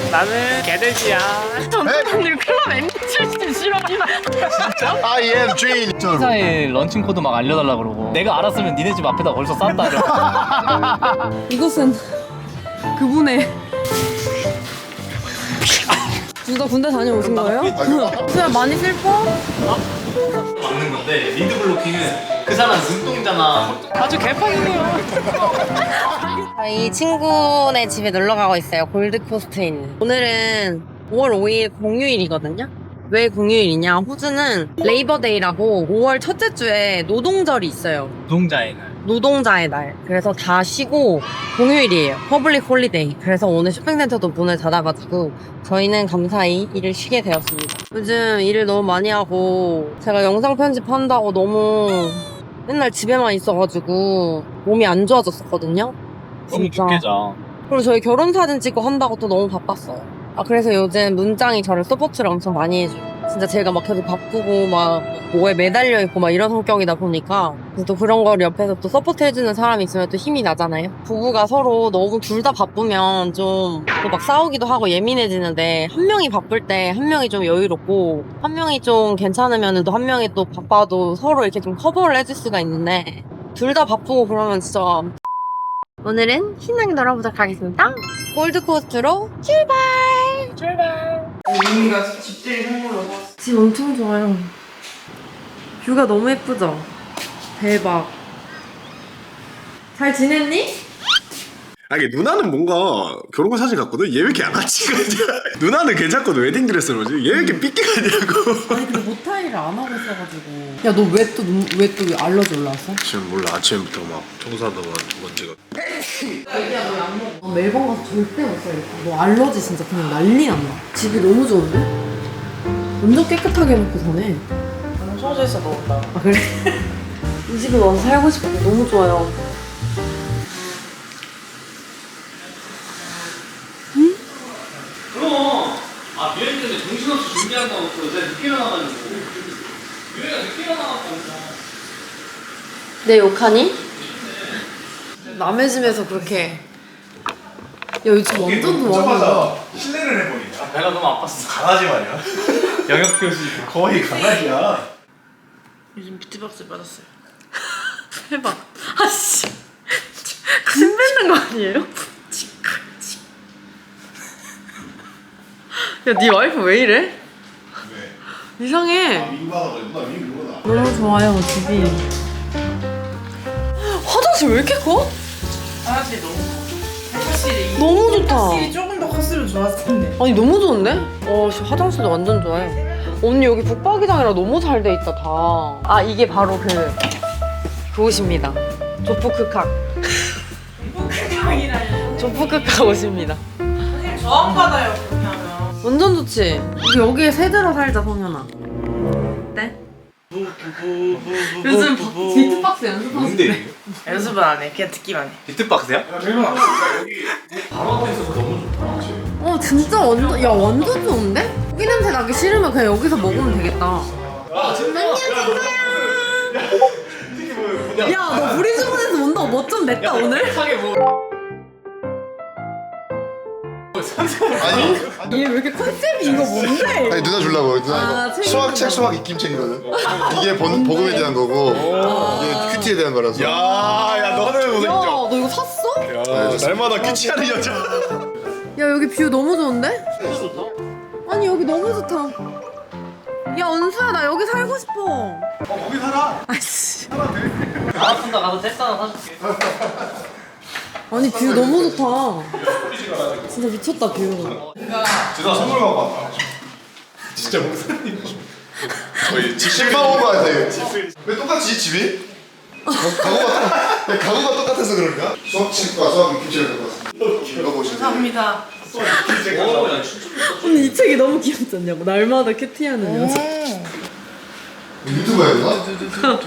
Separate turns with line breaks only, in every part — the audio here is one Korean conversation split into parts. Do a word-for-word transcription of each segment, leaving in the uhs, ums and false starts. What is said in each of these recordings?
나는 개돼지야.
전투관님 클럽 엠디 출신 싫어한다.
진짜?
I am Jane.
회사에 런칭 코드 막 알려달라 그러고 내가 알았으면 니네 집 앞에다 벌써 쌌다 이러고.
이것은 그분의 둘 다 군대 다녀오신 거예요? 그냥 많이 슬퍼?
막는 건데 리드 블로킹은 그 사람 눈동자나 아주 개판이에요.
저희 친구네 집에 놀러 가고 있어요. 골드코스트에 있는. 오늘은 오월 오일 공휴일이거든요. 왜 공휴일이냐? 호주는 레이버데이라고 오월 첫째 주에 노동절이 있어요.
노동자의 날.
노동자의 날. 그래서 다 쉬고 공휴일이에요. 퍼블릭 홀리데이. 그래서 오늘 쇼핑센터도 문을 닫아가지고 저희는 감사히 일을 쉬게 되었습니다. 요즘 일을 너무 많이 하고 제가 영상 편집한다고 너무 맨날 집에만 있어가지고 몸이 안 좋아졌었거든요.
너무
진짜.
죽게 자.
그리고 저희 결혼 사진 찍고 한다고 또 너무 바빴어요. 아 그래서 요즘 문장이 저를 서포트를 엄청 많이 해줘요. 진짜 제가 막 계속 바쁘고 막 뭐에 매달려 있고 막 이런 성격이다 보니까 또 그런 걸 옆에서 또 서포트 해주는 사람이 있으면 또 힘이 나잖아요. 부부가 서로 너무 둘 다 바쁘면 좀 또 막 싸우기도 하고 예민해지는데 한 명이 바쁠 때 한 명이 좀 여유롭고 한 명이 좀 괜찮으면 또 한 명이 또 바빠도 서로 이렇게 좀 커버를 해줄 수가 있는데 둘 다 바쁘고 그러면 진짜 오늘은 신나게 놀아보도록 하겠습니다. 골드코스트로 출발! 출발!
유미가 집들이 선물로 샀어.
집 엄청 좋아요. 뷰가 너무 예쁘죠? 대박. 잘 지냈니?
아니 누나는 뭔가 결혼 사진 같거든? 얘 왜 이렇게 양아치 같냐? 누나는 괜찮거든 웨딩드레스로 오지? 얘 왜 이렇게 삐끼 같냐고.
아니 근데 모타이를 안 하고 있어가지고. 야 너 왜 또 왜 또 알러지 올라왔어?
지금 몰라 아침부터 막 청소하다가 먼지가.
자기야 너 약 먹어. 너 멜번 가서 절대 못 살겠다. 너 알러지 진짜 그냥 난리 난다. 집이 너무 좋은데? 완전 깨끗하게 해놓고 사네.
너무 소주에서 먹었다.
아 그래? 이 집에 와서 살고 싶어. 너무 좋아요.
그럼 아 유행 때문에 정신없이 준비한다고 또 내가 늦게 일어나가지고 유행이가 늦게 일어나가지고
내 욕하니? 남의 집에서 그렇게. 야 요즘 완전 좋아.
실례를 해버리냐?
배가 너무 아팠어.
강아지 말이야.
영역 교수
거의 강아지야.
요즘 비트박스 받았어요.
대박. 아씨. 침 뱉는 거 아니에요? 야, 네 와이프 왜 이래?
왜?
이상해.
민구하다 그래. 누나 민구구나.
너무 좋아요, 집이. 화장실 왜 이렇게 커?
화장실 너무 커. 확실히
너무 좋다.
확실히 조금 더 컸으면 좋았을 텐데.
아니, 너무 좋은데? 어, 씨, 화장실도 완전 좋아해. 언니, 여기 북박이장이랑 너무 잘 돼 있다, 다. 아, 이게 바로 그, 그곳입니다. 조프크칵.
이북크각이라니.
조프크칵 옷입니다.
사실 저항받아요 그렇게 하면.
완전 좋지? 우리 여기에 새들어 살자, 성현아. 어때? 요즘 비트박스 연습하고
뭔데?
연습은 안 해. 그냥 듣기만 해.
비트박스야?
대박. 여기
바로 앞에 있어서 너무 좋다.
어 진짜 완전 야 완전 좋은데? 고기 냄새 나기 싫으면 그냥 여기서 먹으면 되겠다. 야너 브리즈번에서 온다고 뭐 좀 냈다 오늘?
뭐
아니
얘 왜 이렇게 컨셉이 이거 뭔데?
아니 누나 주려고 누나
아,
이거
책
수학
읽는
책
거.
수학 익힘책이거든. 이게 번, 복음에 대한 거고 이게 큐티에 대한 거라서. 야야 너는 무슨
야너 이거 샀어?
야 날마다 큐티하는 여자.
야 여기 뷰 너무 좋은데? 아니 여기 너무 좋다. 야 은수야 나 여기 살고 싶어.
어 거기 살아.
아씨.
나왔습니다. 가서 잽스 하나 사줄게.
아니 뷰 너무 좋다. 진짜 미쳤다 뷰.
제가 선물 갖고 왔다. 진짜 목사님. 거의 집실만 온거 같아. 왜 똑같지 집이? 가구가 똑- 가구가 똑같아서 그런가? 수학책과 수학 익힘책을 갖고 왔습니다. 읽어보시면.
감사합니다.
오야 진짜
언니 이 책이 너무 귀엽지 않냐고. 날마다 큐티하는 여자.
유튜브야 누나?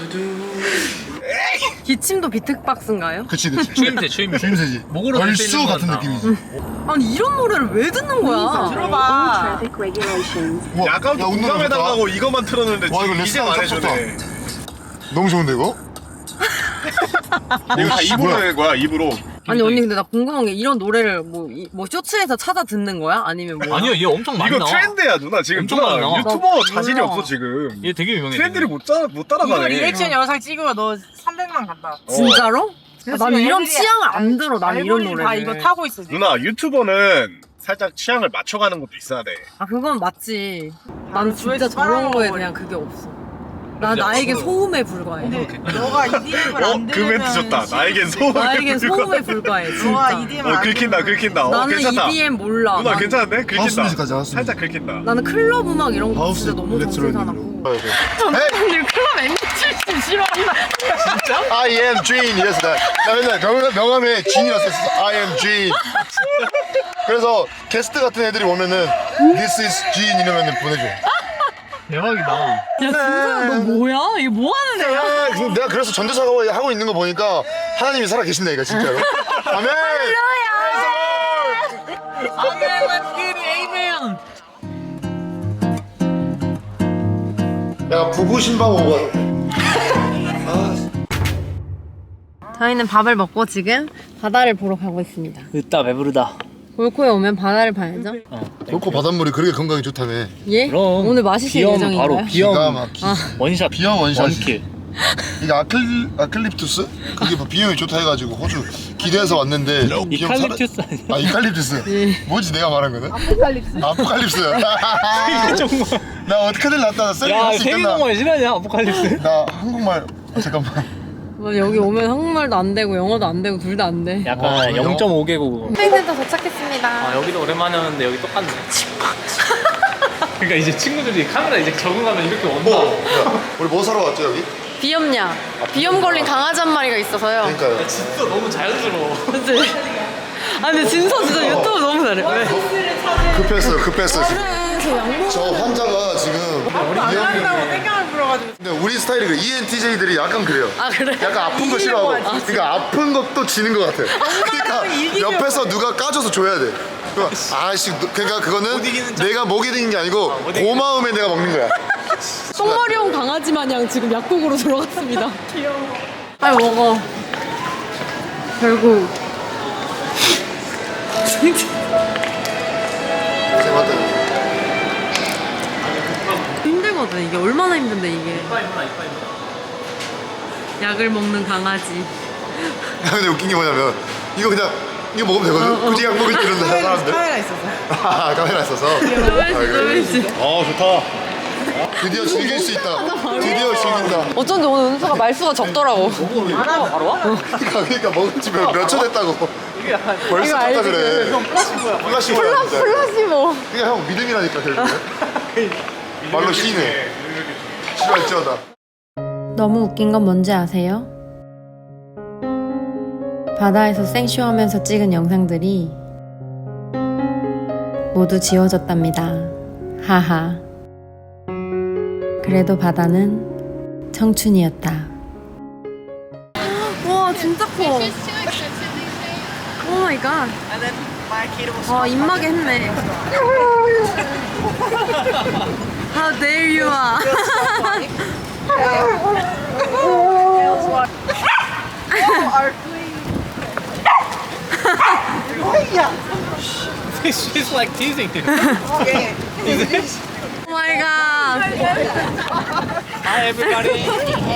기침도 비트박스인가요?
그치 그치.
추임새 추임새.
추임새지.
목으로
얼쑤
들리는
같은
건
느낌이지.
아니 이런 노래를 왜 듣는 거야?
들어봐.
뭐, 야 아까부터 공감해달라고 이거만 틀었는데 와 이거 이제 말해주네. 너무 좋은데 이거?
이거 다 입으로 낸 거야 입으로.
아니 언니 근데 나 궁금한 게 이런 노래를 뭐, 이- 뭐 쇼츠에서 찾아 듣는 거야? 아니면 뭐?
아니요 얘 엄청 많이
이거
나와.
트렌드야 누나 지금
엄청
누나
많이 나와.
유튜버
나
자질이
몰라.
없어 지금.
얘 되게 유명해.
트렌드를 못, 따라, 못
이거
따라가네.
리액션 영상 찍으면 너 삼백만 간다.
진짜로?
그래서
나는
지금
이런
애들이
취향을 안 들어. 나는 이런
알고리즘
노래를.
다 이거 타고 있어 지금.
누나 유튜버는 살짝 취향을 맞춰가는 것도 있어야 돼.
아 그건 맞지.
아,
난 진짜
조회수
저런 거에
빨아먹어버려.
대한 그게 없어. 나
그지?
나에게
어.
소음에 불과해.
근데 너가 이디엠을
어?
안
그
들으면
멘트 좋다. 나에겐 소음을
나에겐
불과.
소음에 불과해.
너가
진짜.
이디엠을
어
안
긁힌다
들으면
긁힌다. 어
나는
괜찮다.
이디엠 몰라.
누나
난-
괜찮은데?
하우스
긁힌다.
뮤직까지 하우스
살짝 긁힌다.
나는 클럽 음악 이런 거
하우스
진짜 너무
일렉트로닉으로.
정신사납고.
헤이!
클럽 엠비씨 싫어한다.
I am Gene 이랬어. 나, 나 맨날 명, 명함에 Gene이라고 썼어. I am Gene. 그래서 게스트 같은 애들이 오면은 This is Gene 이러면 보내줘.
대박이다.
야 진짜 너 뭐야? 이게 뭐 하는 애야?
아, 지금 내가 그래서 전도사고 하고 있는 거 보니까 하나님이 살아 계신다니까 진짜로. 아멘.
아멘, let's get it, amen.
야 부부 신방 오고.
저희는 밥을 먹고 지금 바다를 보러 가고 있습니다.
으따 배부르다.
골코에 오면 바다를 봐야죠.
골코 바닷물이 그렇게 건강에 좋다며.
예?
그럼.
오늘 마시실
비염
예정인가요?
바로 비염.
기가 막히.
아,
원샷.
비염 원샷이지.
원킬.
이게 아클 아클립투스? 그게 뭐 비염이 좋다 해가지고 호주 기대해서 왔는데 비염
이칼립투스
살아-
아니야?
아 이칼립투스.
예.
뭐지 내가 말한 거는? 아포칼립스. 아포칼립스.
정말.
나 어떻게 될 났다. 나 셀리
야
할수 있겠나?
세계동화에 실화냐 아포칼립스?
나 한국말 아, 잠깐만.
뭐 여기 오면 한국말도 안 되고 영어도 안 되고 둘 다 안 돼.
약간
와, 영-
영 점 오 개국.
쇼핑센터 도착했습니다.
아 여기도 오랜만에 왔는데 여기 똑같네. 그러니까 이제 친구들이 카메라 이제 적응하면 이렇게 온다.
야, 우리 뭐 사러 왔죠 여기?
비염약. 비염 걸린 강아지 한 마리가 있어서요.
그러니까요.
진짜 너무 자연스러워.
그치? 아 근데 진서 진짜 유튜브 너무 잘해. 왜?
급했어요 급했어 지금.
그래 저 양복.
저 환자가 지금
안 한다고
비염이.
땡깡을 불어가지고.
근데 우리 스타일이 그 이엔티제이들이 약간 그래요.
아 그래?
약간 아픈 거 싫어하고. 그러니까 아픈 것도 지는 것 같아. 그러니까
이기려고.
옆에서 누가 까줘서 줘야 돼. 그러니까 아씨 그러니까 그거는
못 이기는 척.
내가 못 이기는 게 아니고
못 이기는
고마움에 내가 먹는 거야.
똥머리형 강아지 마냥 지금 약국으로 들어갔습니다. 귀여워. 빨리 먹어. 결국.
고생하다.
힘들거든. 이게 얼마나 힘든데 이게.
이빨 이빨 이빨.
약을 먹는 강아지.
근데 웃긴 게 뭐냐면 이거 그냥 이거 먹으면 되거든. 굳이 약 먹을 필요는 없는 사람들.
카메라 있어서.
아 카메라 있어서.
쪼매지
아, 그래.
쪼매지.
어 좋다.
드디어 즐길 수 있다. 드디어 즐긴다.
어쩐지 오늘 은수가 말수가 적더라고.
하나 바로 와?
그러니까, 그러니까 먹은 지 몇 초 됐다고.
이게 약간
벌써
이거
졌다
알지?
그래.
플라시모야.
플라시모야 진짜.
플라시모.
그러니까 형 믿음이라니까 결국에. 말로 시인해. 싫어할지어다.
너무 웃긴 건 뭔지 아세요? 바다에서 생쇼하면서 찍은 영상들이 모두 지워졌답니다. 하하. 그래도 바다는 청춘이었다. 와 진짜 커. 오 마이 갓. 아 입마개 했네. How dare you are.
She's like teasing him.
Oh my god.
Hi everybody.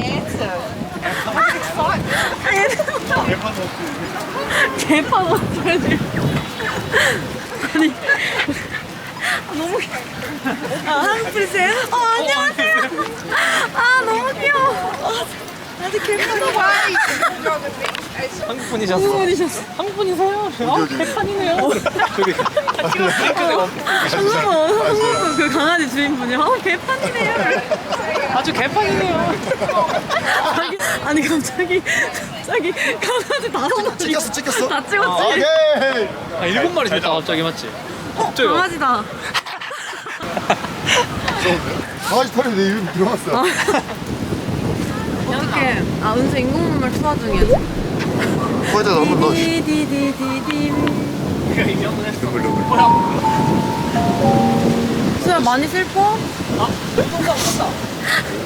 개판 어쩌지? 아니 너무 귀여워. 아 한국 프리세요? 어 안녕하세요. 아 너무 귀여워. 아, 아직 개판이고.
한국 분이셨어.
한국 분이셨어. 한국 분이세요? 아 개판이네요.
저기 핑크색
한국분 한국분 그 강아지 주인분이 아 개판이네요.
아주 개판이네요.
아니, 아니 갑자기 갑자기 강아지 다섯 마리
찍혔어 찍혔어.
다 찍었지?
오케이.
아 일곱 마리 됐다 갑자기 맞지? 갑자기 와.
강아지다.
강아지 털이 내 입에 들어갔어.
이렇게 아 은수 인공눈물 투하 중이야.
거기다 한번 넣어.
디디디디디.
눈물 눈물.
수야 많이 슬퍼?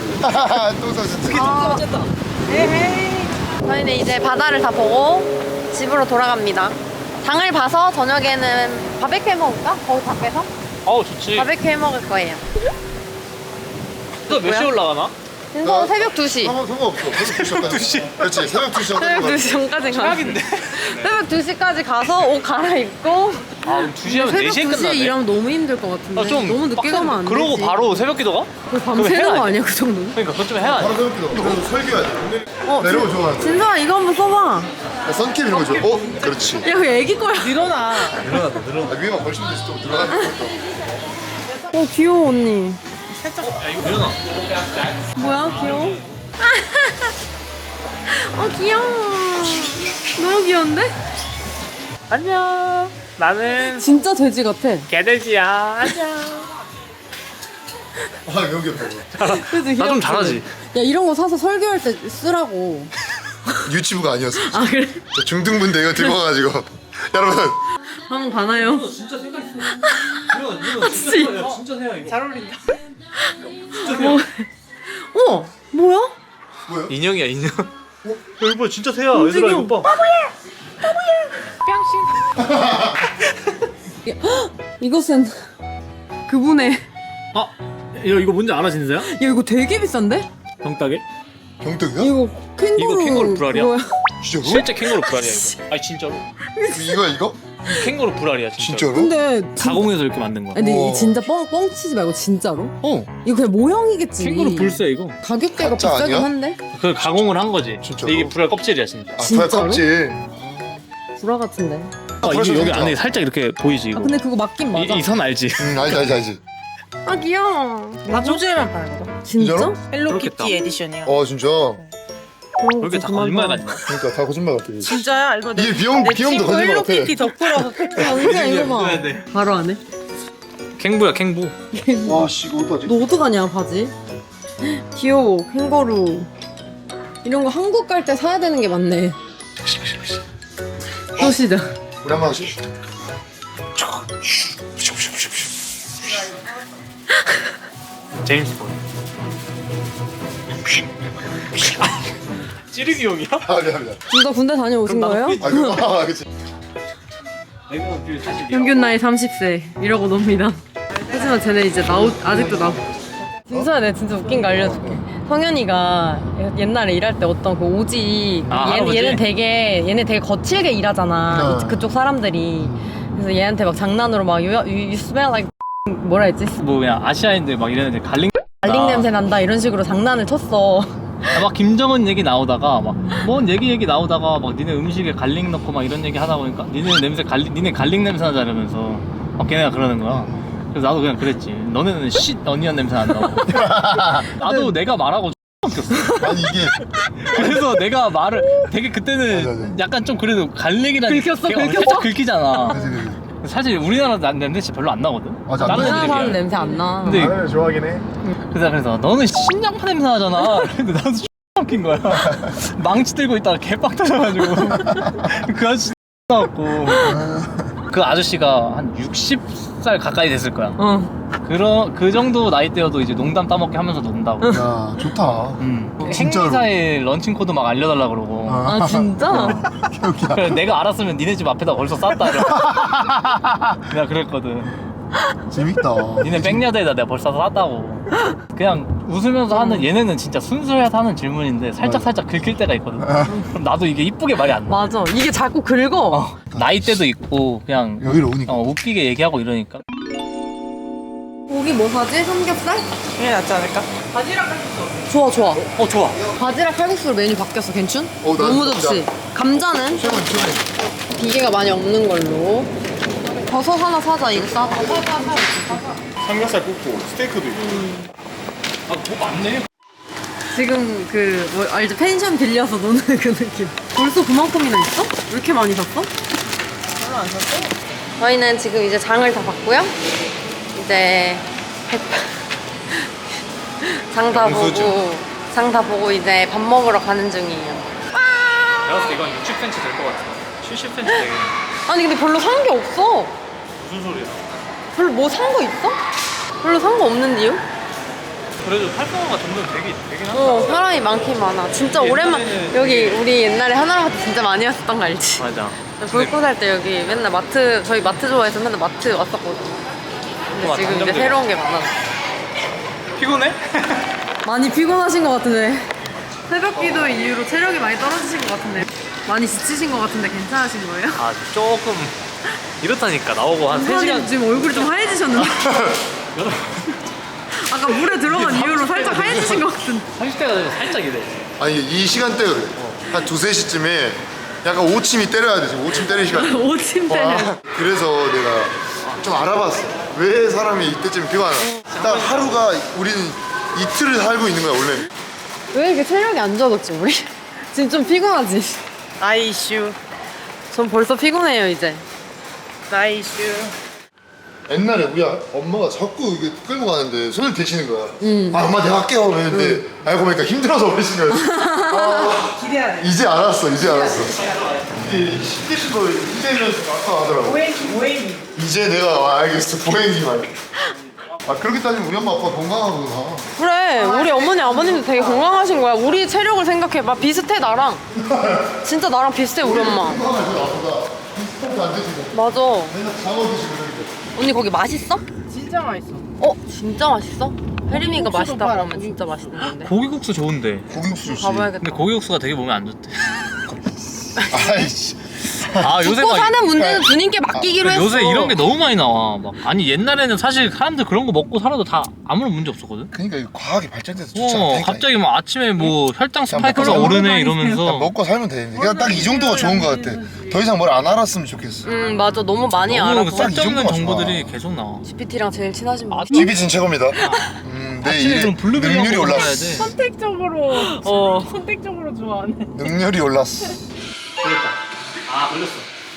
또 사졌지.
아. 저희는 이제 바다를 다 보고 집으로 돌아갑니다. 장을 봐서 저녁에는 바베큐 해 먹을까? 거기 밖에서?
어우 좋지.
바베큐 해 먹을 거예요.
또 몇 시에 올라가나?
그래서 새벽 두 시.
상관 상관없어. 새벽 두 시. 그렇지. 새벽 두 시.
새벽 두 시 전까지 가.
최악인데.
새벽 두 시까지 가서 옷 갈아입고.
아 그럼 두 시하면 네 시에 끝나네.
일하면 너무 힘들 것 같은데.
아, 좀
너무 늦게
빡센데.
가면 안 되지.
그러고 바로 새벽 기도 가?
밤 새는 거 아니야 그 정도는?
그러니까 그것 좀 해야
바로
돼.
새벽 기도. 그래도 설교해야 돼.
어,
내려오 좋아하는데.
진서아 이거 한번 써봐.
야, 선캡 이런 거 좋아. 어? 그렇지.
야 그 애기 거야.
일어나.
아, 위에만 걸치면 되지. 또 들어가는 것도.
어 귀여워 언니.
야 이거 일어나.
뭐야 귀여워? 어 귀여워. 너무 귀여운데?
안녕. 나는
진짜 돼지 같아.
개돼지야. 안녕.
아, 너무 귀엽다.
그치,
나 좀
귀엽지?
잘하지.
야 이런 거 사서 설교할 때 쓰라고.
유치부가 아니었어.
아 그래?
저 중등부인데 이거 들고 가가지고. 여러분.
한번 가나요?
진짜 생각 있어. 이거 이거
진짜
진짜 진짜 해야 이거.
잘 어울린다.
뭐? 어? 뭐야?
인형이야 인형. 어? 여기 봐 진짜 새야.
움직여.
얘들아 이거 봐.
이것은 그분의.
아 이거 이거 뭔지 알아 진짜야?
야 이거 되게 비싼데?
병따개?
병떡이야?
이거 캥거루.
이거 캥거루 불알이야?
그거야.
진짜로?
실제 캥거루 불알이야 이거. 아니 진짜로.
이거 이거?
캥거루 불알이야 진짜로.
진짜로?
근데 진...
가공해서 이렇게 만든 거야.
근데
우와.
이 진짜 뻥 뻥치지 말고 진짜로?
어.
이거 그냥 모형이겠지.
캥거루 불새 이거.
가격대가
가짜
비싸긴
아니야?
한데?
그 가공을 한 거지.
진짜로?
근데 이게 불알 껍질이야 진짜.
아,
진짜로?
불알 껍질.
구라 같은데.
아, 이게
불알
여기
진짜.
안에 살짝 이렇게 보이지 이거.
아 근데 그거 맞긴 맞아.
이 선 알지?
응, 알지, 알지, 알지.
아 귀여워.
나 소주에만 파는 거다.
진짜?
진짜로?
헬로키티
그렇겠다.
에디션이야.
어, 진짜.
그런
왜 이렇게
거
다
그만
거짓말
봐.
같냐?
그러니까 다 거짓말 같아.
진짜야? 이거 내,
이게 비용-
내
비용도
친구
거짓말 같아.
헬로키티 덕후라서
야 은수야 이거 봐. 바로 안 해?
캥부야 캥부.
와, 씨, 이거 어떡하지?
너 어떡하냐 바지? 귀여워 캥거루. 이런 거 한국 갈 때 사야 되는 게 많네. 또 시작.
우리 한번 하시.
제임스 본. 찌르기 용이야?
아, 미안, 미안.
둘 다 군대 다녀오신
그럼 나도
거예요?
아, 그거, 아, 그치.
평균 나이 삼십 세 이러고 놉니다. 하지만 쟤네 이제 나오 아직도 나오. 진서야 내가 진짜 웃긴 거 알려줄게. 성현이가 옛날에 일할 때 어떤 그 오지
아,
얘,
할아버지?
얘는 되게 얘네 되게 거칠게 일하잖아.
어.
이- 그쪽 사람들이. 그래서 얘한테 막 장난으로 막 you, you, you smell like 뭐라 했지?
뭐 그냥 아시아인들 막 이런 애들 갈링.
알링 냄새 난다 이런 식으로 장난을 쳤어.
아, 막 김정은 얘기 나오다가 막 뭔 얘기 얘기 나오다가 막 니네 음식에 갈릭 넣고 막 이런 얘기 하다 보니까 니네 냄새 갈릭 니네 갈릭 냄새 나자 이러면서 막 걔네가 그러는 거야. 그래서 나도 그냥 그랬지. 너네는 쉿 어니언 냄새 난다고. 나도 내가 말하고 웃겼어.
아니, 이게.
그래서 내가 말을 되게 그때는
맞아, 맞아.
약간 좀 그래도 갈릭이라는
긁혔어,
게- 어,
긁혔어?
살짝 긁히잖아.
그치, 그치.
사실 우리나라 난 냄새 진짜 별로 안 나거든.
맞아, 안
다른
나지.
우리나라
애들에
사람
비해.
냄새 안 나.
근데
나는 좋아하긴 해.
그래서 그래서 너는 신장파 냄새 나잖아. 근데 나도 웃긴 거야. 망치 들고 있다가 개빡 터져가지고 그 아저씨 나왔고 그 아저씨가 한 육십 살 가까이 됐을 거야.
어.
그런 그 정도 나이대여도 이제 농담 따먹게 하면서 논다고.
야, 좋다.
음.
진짜로?
행리사에 런칭 코드 막 알려달라 그러고.
아 진짜?
그래 내가 알았으면 니네 집 앞에다 벌써 쌌다 이러. 내가 그랬거든.
재밌다.
니네 백야드에다 내가 벌써 쌌다고. 그냥 웃으면서 하는 얘네는 진짜 순수해서 하는 질문인데 살짝 살짝 긁힐 때가 있거든. 그럼 나도 이게 이쁘게 말이 안 나.
맞아. 이게 자꾸 긁어.
어, 나이대도 있고 그냥
여기로 오니까.
어, 웃기게 얘기하고 이러니까.
고기 뭐 사지? 삼겹살?
이게 낫지 않을까?
좋아 좋아.
어 좋아.
바지락 칼국수로 메뉴 바뀌었어. 괜춘?
어, 나
너무
진짜-
좋지. 감자는
최근, 최근.
비계가 많이 없는 걸로. 버섯 하나 사자. 이거 싸다.
삼겹살 굽고 스테이크도 있고.
아뭐 많네.
지금 그 뭐 알지? 펜션 빌려서 노는 그 느낌. 벌써 그만큼이나 있어? 왜 이렇게 많이 샀어?
별로 안 샀어?
저희는 지금 이제 장을 다 봤고요. 이제 장 다 보고 장 다 보고 이제 밥 먹으러 가는 중이에요.
내가 봤을 때 이건 육십 센티미터 될 것 같아. 칠십 센티미터 되겠네.
아니 근데 별로 산 게 없어.
무슨 소리야?
별로 뭐 산 거 있어? 별로 산 거 없는 이유?
그래도 활성화가 점점 되게 되긴 한다.
어, 사람이 많긴 많아. 진짜 오랜만. 여기 우리 옛날에 하나마트 진짜 많이 왔었던 거 알지?
맞아.
볼코 살 때 여기 맨날 마트, 저희 마트 좋아해서 맨날 마트 왔었거든. 근데
우와,
지금 이제
단점들이.
새로운 게 많아.
피곤해?
많이 피곤하신 것 같은데. 새벽기도 이후로 체력이 많이 떨어지신 것 같은데. 많이 지치신 것 같은데 괜찮으신 거예요?
아 조금 이렇다니까 나오고 한 세 시간.
지금 얼굴이 좀 하얘지셨는데. 아까 물에 들어간 이후로 살짝 하얘지신 것 같은데.
삼십 대가 되면 살짝 이래.
아니 이 시간대 그래. 한 두세 시쯤에 약간 오침이 때려야 돼. 지금 오침 때릴 시간.
오침 때는.
와, 그래서 내가 좀 알아봤어. 왜 사람이 이때쯤 피곤하나. 딱 하루가 우리는 이틀을 살고 있는 거야 원래.
왜 이렇게 체력이 안 좋아졌지 우리? 지금 좀 피곤하지?
나이 이슈.
전 벌써 피곤해요 이제.
나이 이슈.
옛날에 우리 아- 엄마가 자꾸 이게 끌고 가는데 손을 대시는 거야. 아 엄마 내가 할게요. 그랬는데 알고 보니까 힘들어서 그러신 거야. 아,
기대야 돼.
이제 알았어. 이제 알았어. 이게 힘드신 거 이제면서 아까 하더라고.
오행기 오행기.
이제 내가 아, 알겠어. 보행기 말. 아 그렇게 따지면 우리 엄마 아빠 건강하구나.
그래 우리 어머니 아버님도 되게 건강하신 거야. 우리 체력을 생각해봐. 비슷해 나랑. 진짜 나랑 비슷해 우리 엄마.
건강하지 나보다. 스포츠 안 드시고
맞아.
맨날 장어 드시고 그러는데.
언니 거기 맛있어?
진짜 맛있어.
어? 진짜 맛있어? 혜림이가
고기국수도
맛있다
팔아,
그러면 진짜 맛있는 건데.
고기국수 좋은데.
고기국수 좋지.
가봐야겠다.
근데 고기국수가 되게 몸에 안 좋대.
아이씨.
아 요새
죽고
막
사는 문제는 주님께 맡기기로 했어.
요새 이런 게 너무 많이 나와. 막 아니 옛날에는 사실 사람들 그런 거 먹고 살아도 다 아무런 문제 없었거든.
그러니까 이거 과학이 발전돼서 좋지
어
않다니까.
갑자기 막 아침에 뭐 혈당 스파이크가
먹고
오르네
그냥
이러면서.
먹고 살면 돼. 그냥 딱 이 정도가 좋은 거 같아. 더 이상 뭘 안 알았으면 좋겠어.
응 맞아 너무 많이
너무
알아서.
딱 이
쓸데없는
정도가
정보들이
좋아.
계속 나와.
지피티랑 제일 친하신 분.
아,
집이 진 최고입니다. 음, 내
아침에
일에
그럼 블루베리
능률이
먹고
올랐어.
가야 돼.
선택적으로
어.
선택적으로 좋아하네.
능률이 올랐어.
걸렸다. 아 걸렸어.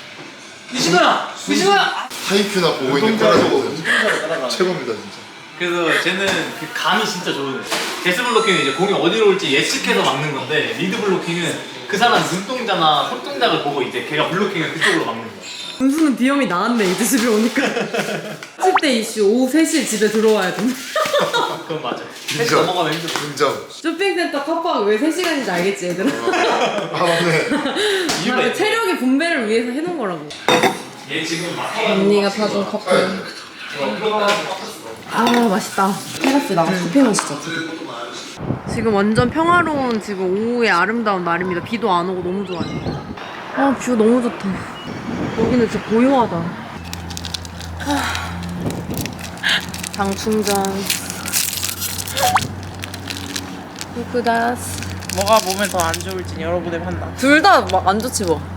미신아, 미신아.
하이큐나 보고 있는 거라서 최고입니다 진짜.
그래서 쟤는 그 감이 진짜 좋은 애. 데스 블로킹은 이제 공이 어디로 올지 예측해서 막는 건데 리드 블로킹은 그 사람 눈동자나 손동작을 보고 이제 걔가 블로킹을 그쪽으로 막는 거야.
은수는 비염이 나았네 이제 집에 오니까. 십 대 이슈 오후 세 시에 집에 들어와야 돼.
그건 맞아. 셋
인정.
넘어가면 힘들어.
인정.
쇼핑센터 컵밥 왜 세 시간인지 알겠지 얘들아?
아 맞네.
이유가 있네.
체력의 분배를 위해서 해놓은 거라고.
얘 지금 막
언니가 타준 커피. 아 맛있다. 테라스 나가 커피 마시자 지금. 지금 완전 평화로운 지금 오후의 아름다운 날입니다. 비도 안 오고 너무 좋아요. 아 뷰 너무 좋다. 여기는 진짜 고요하다. 하... 장충전. 후쿠다스.
뭐가 몸에 더 안 좋을지 여러분의 판단.
둘 다 막 안 좋지 뭐.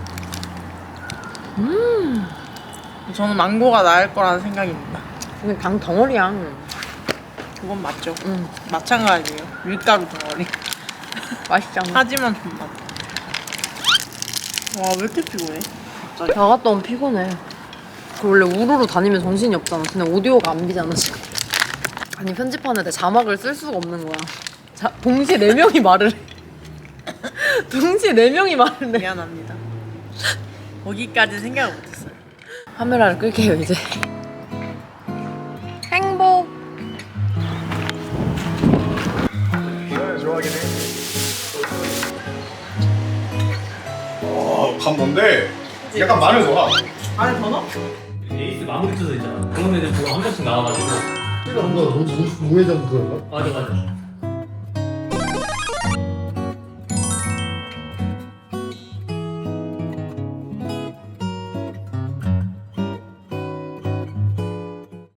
저는 망고가 나을 거라는 생각입니다.
근데 당 덩어리야.
그건 맞죠.
응.
마찬가지예요. 밀가루 덩어리.
맛있지 않아?
하지만 존맛. 와, 왜 이렇게 피곤해?
나 갔다 오면 피곤해. 그 원래 우르르 다니면 정신이 없잖아. 그냥 오디오가 안 비잖아 지금. 아니 편집하는데 자막을 쓸 수가 없는 거야. 자, 동시에 네 명이 말을 해. 동시에 네 명이 말을 해.
미안합니다. 거기까지 생각을 못했어요.
카메라를 끌게요 이제. 행복.
좋아하긴 해. 와, 감 뭔데? 약간 마늘 넣어.
안에 더 넣어?
에이스 마무리 투수 있잖아. 그런 애들 보고 한 번씩 나와가지고.
뭔가 우회전 그런가?
맞아 맞아.